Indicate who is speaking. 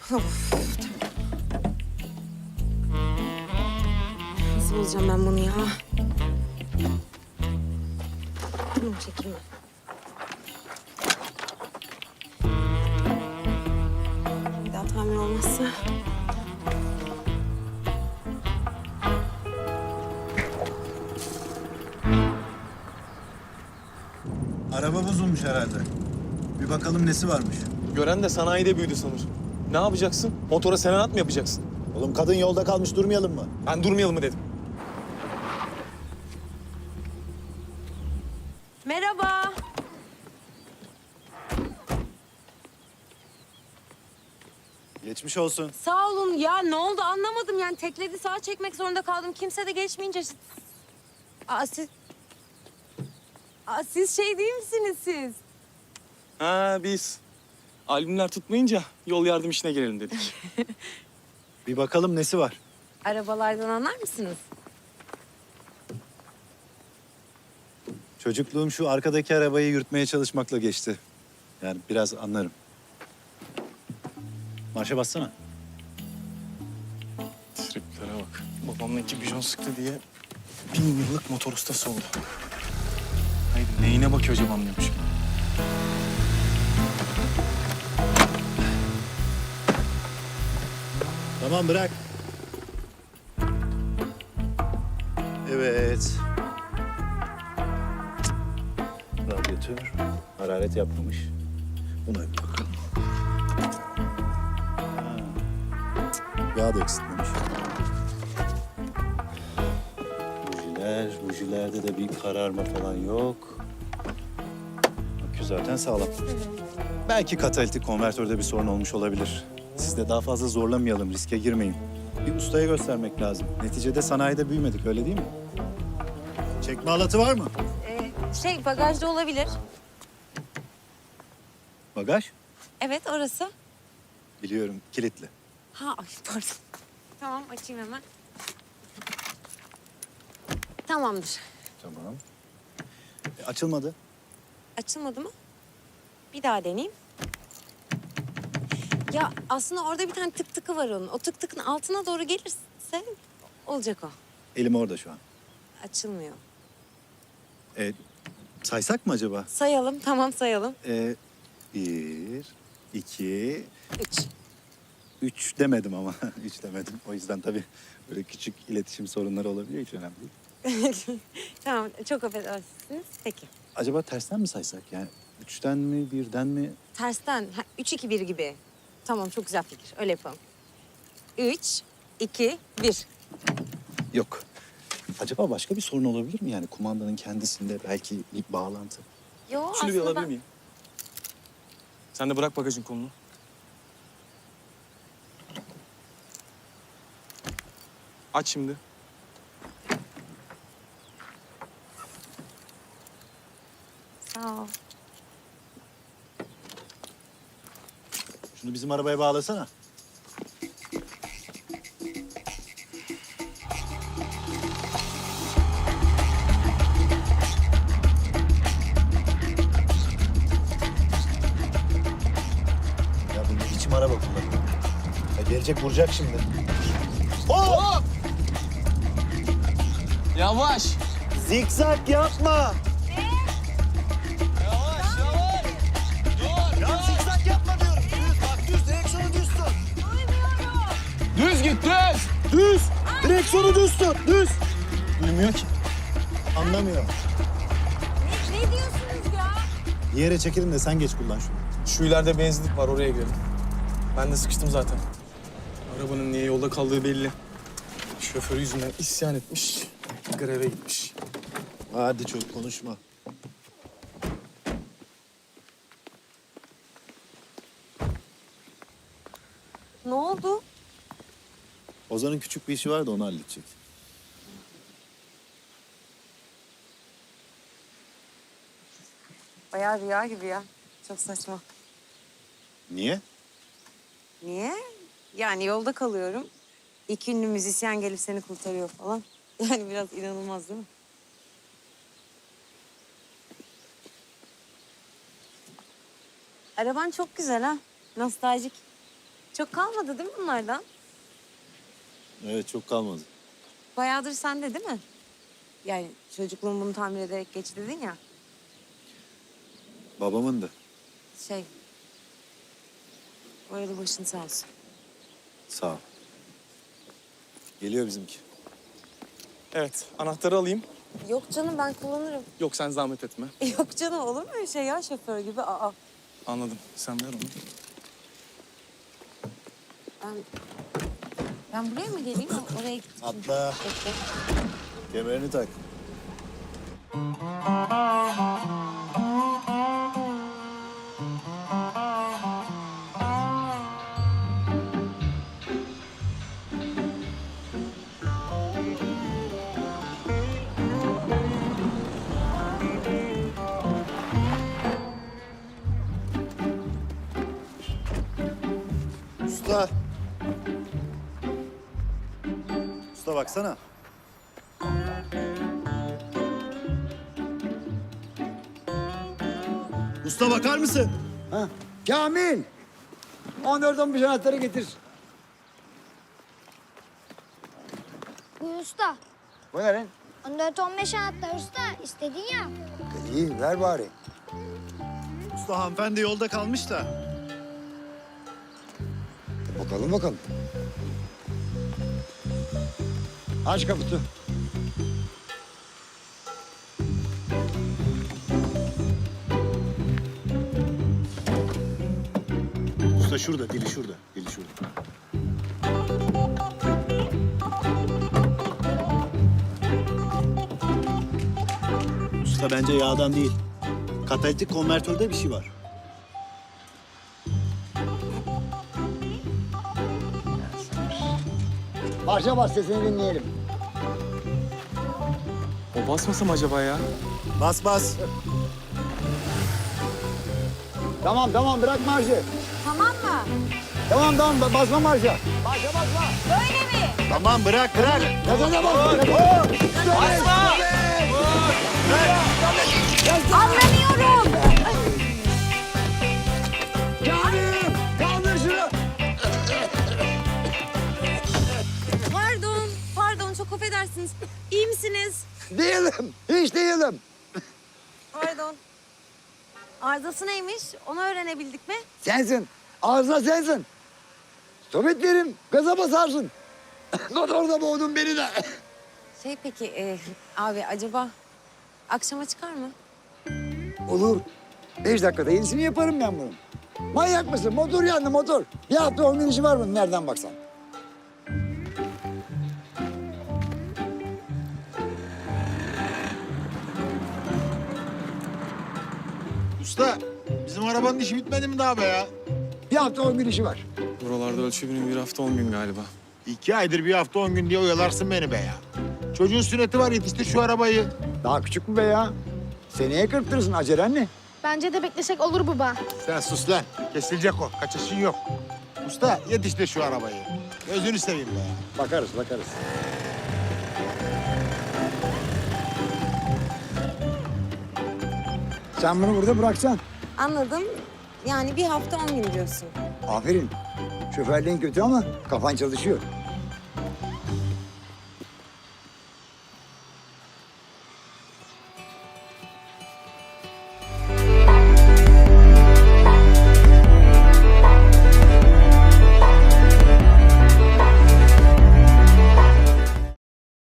Speaker 1: Of, nasıl bulacağım ben bunu ya? Çekilme. Bir daha tamir olmazsa.
Speaker 2: Araba bozulmuş herhalde. Bir bakalım nesi varmış.
Speaker 3: Gören de sanayide büyüdü sanır. Ne yapacaksın? Motora serenat mı yapacaksın?
Speaker 2: Oğlum kadın yolda kalmış, durmayalım mı?
Speaker 3: Ben durmayalım mı dedim.
Speaker 1: Merhaba.
Speaker 2: Geçmiş olsun.
Speaker 1: Sağ olun. Ya ne oldu anlamadım. Yani tekledi sağa çekmek zorunda kaldım. Kimse de geçmeyince... Aa siz... Aa, siz şey değil misiniz siz?
Speaker 3: Ha biz. Albümler tutmayınca yol yardım işine girelim dedik.
Speaker 2: Bir bakalım nesi var.
Speaker 1: Arabalardan anlar mısınız?
Speaker 2: Çocukluğum şu arkadaki arabayı yürütmeye çalışmakla geçti. Yani biraz anlarım. Marşa bassana.
Speaker 3: Triplere bak. Babamla iki bijon sıktı diye 1000 yıllık motor ustası oldu. Hayır neyine bakıyor acaba anlıyormuş.
Speaker 2: Tamam, bırak. Evet. Radyatör hararet yapmamış. Buna bir bakalım. Ha. Yağ da eksiltmemiş. Bujilerde de bir kararma falan yok. Akü zaten sağlam. Belki katalitik konvertörde bir sorun olmuş olabilir. Siz de daha fazla zorlamayalım, riske girmeyin. Bir ustaya göstermek lazım. Neticede sanayide büyümedik, öyle değil mi? Çekme halatı var mı?
Speaker 1: Bagajda olabilir.
Speaker 2: Bagaj?
Speaker 1: Evet orası.
Speaker 2: Biliyorum, kilitli.
Speaker 1: Ha ay pardon. Tamam açayım hemen. Tamamdır.
Speaker 2: Tamam. Açılmadı.
Speaker 1: Açılmadı mı? Bir daha deneyeyim. Ya aslında orada bir tane tık tıkı var onun. O tık tıkın altına doğru gelirse olacak o.
Speaker 2: Elim orada şu an.
Speaker 1: Açılmıyor.
Speaker 2: Saysak mı acaba?
Speaker 1: Sayalım, tamam sayalım.
Speaker 2: 1, 2,
Speaker 1: Üç.
Speaker 2: 3 demedim ama. 3 demedim. O yüzden tabii böyle küçük iletişim sorunları olabiliyor. Hiç önemli değil.
Speaker 1: Tamam, çok affedersiniz. Peki.
Speaker 2: Acaba tersten mi saysak? Yani 3'ten mi, 1'den mi?
Speaker 1: Tersten, 3-2-1 gibi. Tamam, çok güzel fikir. Öyle yapalım. 3, 2, 1.
Speaker 2: Yok. Acaba başka bir sorun olabilir mi? Yani kumandanın kendisinde belki bir bağlantı.
Speaker 1: Yo,
Speaker 3: Şunu bir
Speaker 1: aslında
Speaker 3: alabilir miyim? Sen de bırak bagajın kolunu. Aç şimdi.
Speaker 1: Sağ ol.
Speaker 2: Şunu bizim arabaya bağlasana. Ya bu ne biçim araba kullanıyor? Ya gelecek vuracak şimdi.
Speaker 3: Hop! Yavaş.
Speaker 2: Zikzak yapma.
Speaker 3: Yavaş, yavaş. Dur.
Speaker 2: Ya zikzak yapma diyorum. Düz bak, düz, direksiyonu düz tut.
Speaker 3: Düz git, düz.
Speaker 2: Düz. Direksiyonu düz tut. Düz.
Speaker 3: Duymuyor ki.
Speaker 2: Anlamıyor.
Speaker 1: Ne diyorsunuz ya?
Speaker 2: Bir yere çekelim de sen geç kullan şunu.
Speaker 3: Şu ileride benzinlik var, oraya girelim. Ben de sıkıştım zaten. Arabanın niye yolda kaldığı belli. Şoförü yüzünden isyan etmiş, greve gitmiş.
Speaker 2: Hadi çok konuşma.
Speaker 1: Ne oldu?
Speaker 2: Ozan'ın küçük bir işi var da onu halledecek.
Speaker 1: Bayağı rüya gibi ya. Çok saçma.
Speaker 2: Niye?
Speaker 1: Niye? Yani yolda kalıyorum. İki ünlü müzisyen gelip seni kurtarıyor falan. Yani biraz inanılmaz değil mi? Araban çok güzel ha. Nostaljik. Çok kalmadı değil mi bunlardan?
Speaker 2: Evet, çok kalmadı.
Speaker 1: Bayağıdır sende değil mi? Yani çocukluğum bunu tamir ederek geç dedin ya.
Speaker 2: Babamın da.
Speaker 1: Şey... Bu arada başın sağ olsun.
Speaker 2: Sağ ol. Geliyor bizimki.
Speaker 3: Evet, anahtarı alayım.
Speaker 1: Yok canım ben kullanırım.
Speaker 3: Yok sen zahmet etme.
Speaker 1: Yok canım olur mu öyle şey ya şoför gibi? Aa
Speaker 3: Anladım. Sen ver onu.
Speaker 1: ben... Ben buraya mı geleyim? Oraya gideceğim.
Speaker 2: Atla.
Speaker 1: Bekle.
Speaker 2: Kemerini tak. Usta. Usta baksana. Usta bakar mısın?
Speaker 4: Ha? Kamil! 14-15 anahtarı getir.
Speaker 5: Buyur usta.
Speaker 4: Bu ne lan?
Speaker 5: 14-15 anahtar usta. İstedin ya.
Speaker 4: İyi, ver bari.
Speaker 2: Usta hanımefendi yolda kalmış da.
Speaker 4: Bakalım bakalım. Aç kaputu.
Speaker 2: Usta şurada, dili şurada, dili şurada. Usta bence yağdan değil. Katalitik konvertörde bir şey var.
Speaker 4: Marşa bas sesini dinleyelim.
Speaker 3: O basmasam acaba ya?
Speaker 2: Bas bas.
Speaker 4: Tamam tamam bırak marşı.
Speaker 1: Tamam mı?
Speaker 4: Tamam basma marşa. Marşa basma.
Speaker 1: Böyle mi?
Speaker 2: Tamam bırak bırak.
Speaker 4: Gazana bas. Basma.
Speaker 1: Anlamıyorum.
Speaker 4: Kamil! Kaldır şunu.
Speaker 1: Pardon çok affedersiniz. İyi misiniz?
Speaker 4: Değilim. Hiç değilim.
Speaker 1: Pardon. Arızası neymiş? Onu öğrenebildik mi?
Speaker 4: Sensin. Ağzına sensin. Sohbet verim. Gaza basarsın. Motorda boğdun beni de.
Speaker 1: Şey peki abi acaba akşama çıkar mı?
Speaker 4: Olur. 5 dakikada yenisini yaparım ben bunun. Manyak mısın? Motor yandı motor. Bir hafta 10 gün işi var bunun nereden baksan.
Speaker 6: Usta, bizim arabanın işi bitmedi mi daha be ya?
Speaker 4: Bir hafta 10 gün işi var.
Speaker 3: Buralarda ölçü günü bir hafta 10 gün galiba.
Speaker 6: 2 aydır bir hafta 10 gün diye oyalarsın beni be ya. Çocuğun sünneti var, yetiştir şu arabayı.
Speaker 4: Daha küçük mü be ya? Seneye kırptırırsın acelen ne?
Speaker 5: Bence de beklesek olur baba.
Speaker 6: Sen sus lan, kesilecek o, kaçışın yok. Usta, yetiştir şu arabayı. Gözünü seveyim be ya.
Speaker 4: Bakarız. Sen bunu burada bıraksan.
Speaker 1: Anladım. Yani bir hafta 10 gün diyorsun.
Speaker 4: Aferin. Şoförlüğün kötü ama kafan çalışıyor.